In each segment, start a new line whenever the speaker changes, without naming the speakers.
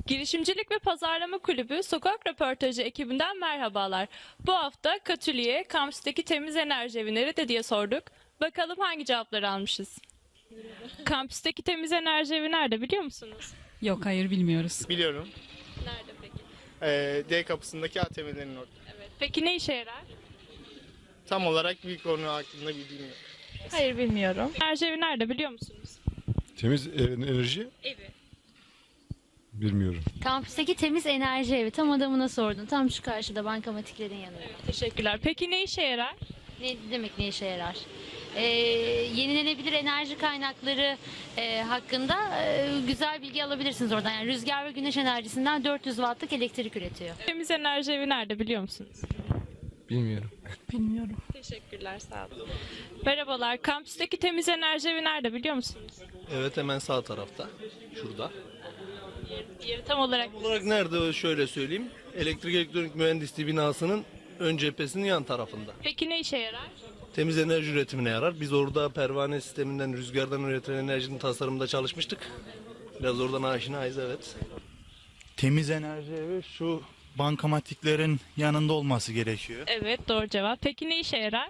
Girişimcilik ve Pazarlama Kulübü Sokak Röportajı ekibinden merhabalar. Bu hafta Katüli'ye kampüsteki temiz enerji evi nerede diye sorduk. Bakalım hangi cevapları almışız. Kampüsteki temiz enerji evi nerede biliyor musunuz?
Yok, hayır, bilmiyoruz.
Biliyorum.
Nerede peki?
D kapısındaki ATM'lerin orada.
Evet. Peki ne işe yarar?
Tam olarak bir konu hakkında bilgim yok.
Hayır bilmiyorum. Enerji evi nerede biliyor musunuz?
Temiz enerji
Evi.
bilmiyorum.
Kampüsteki temiz enerji evi. Tam adamına sordun. Tam şu karşıda bankamatiklerin yanında.
Teşekkürler. Peki ne işe yarar?
Ne demek ne işe yarar? Yenilenebilir enerji kaynakları hakkında güzel bilgi alabilirsiniz oradan. Yani rüzgar ve güneş enerjisinden 400 wattlık elektrik üretiyor.
Temiz enerji evi nerede biliyor musunuz?
Bilmiyorum.
Bilmiyorum.
Teşekkürler, sağ olun. Merhabalar. Kampüsteki temiz enerji evi nerede biliyor musunuz?
Evet, hemen sağ tarafta. Şurada.
Diğeri tam olarak
Olarak nerede şöyle söyleyeyim. Elektrik Elektronik Mühendisliği binasının ön cephesinin yan tarafında.
Peki ne işe yarar?
Temiz enerji üretimine yarar. Biz orada pervane sisteminden, rüzgardan üretilen enerjinin tasarımında çalışmıştık. Biraz oradan aşinayız, evet.
Temiz enerji evi şu bankamatiklerin yanında olması gerekiyor.
Evet, doğru cevap. Peki ne işe yarar?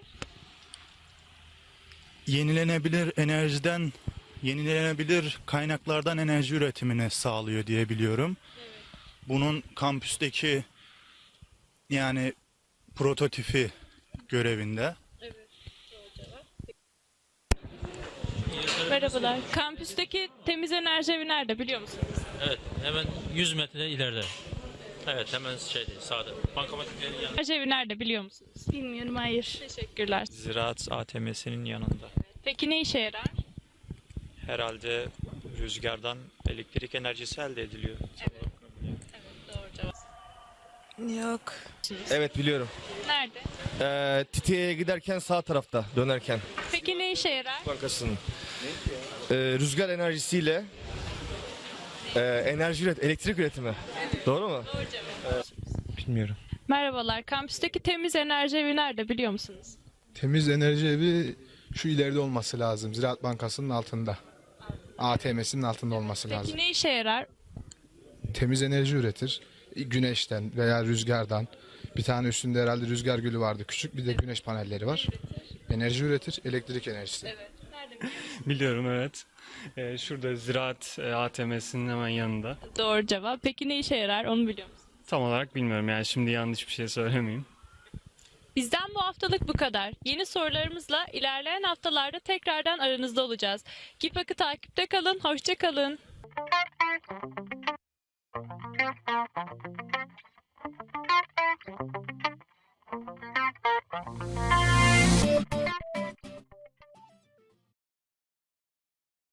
Yenilenebilir kaynaklardan enerji üretimini sağlıyor diye biliyorum. Bunun kampüsteki yani prototipi görevinde.
Merhabalar. Kampüsteki temiz enerji evi nerede biliyor musunuz?
Evet, hemen 100 metre ileride. Evet, hemen sağda. Bankamatiklerin yanında.
Enerji evi nerede biliyor musunuz?
Bilmiyorum, hayır.
Teşekkürler.
Ziraat ATM'sinin yanında.
Peki ne işe yarar?
Herhalde rüzgardan elektrik enerjisi elde ediliyor.
Doğru cevap.
Yok.
Evet, biliyorum.
Nerede?
Titiye'ye giderken sağ tarafta dönerken
Peki ne işe yarar?
bankasının. Rüzgar enerjisiyle elektrik üretimi. Doğru mu?
Doğru cevap.
Bilmiyorum.
Merhabalar. Kampüsteki temiz enerji evi nerede biliyor musunuz?
Temiz enerji evi şu ileride olması lazım. Ziraat Bankası'nın altında. ATM'sinin altında olması lazım.
Peki ne işe yarar?
Temiz enerji üretir. Güneşten veya rüzgardan. Bir tane üstünde herhalde rüzgar gülü vardı. Küçük bir de güneş panelleri var. Enerji üretir. Elektrik enerjisi.
Evet. Nerede?
Biliyorum, evet. Şurada Ziraat ATM'sinin hemen yanında.
Doğru cevap. Peki ne işe yarar onu biliyor musunuz?
Tam olarak bilmiyorum, yani şimdi yanlış bir şey söylemeyeyim.
Bizden bu haftalık bu kadar. Yeni sorularımızla ilerleyen haftalarda tekrardan aranızda olacağız. GİPAK'ı takipte kalın, hoşça kalın.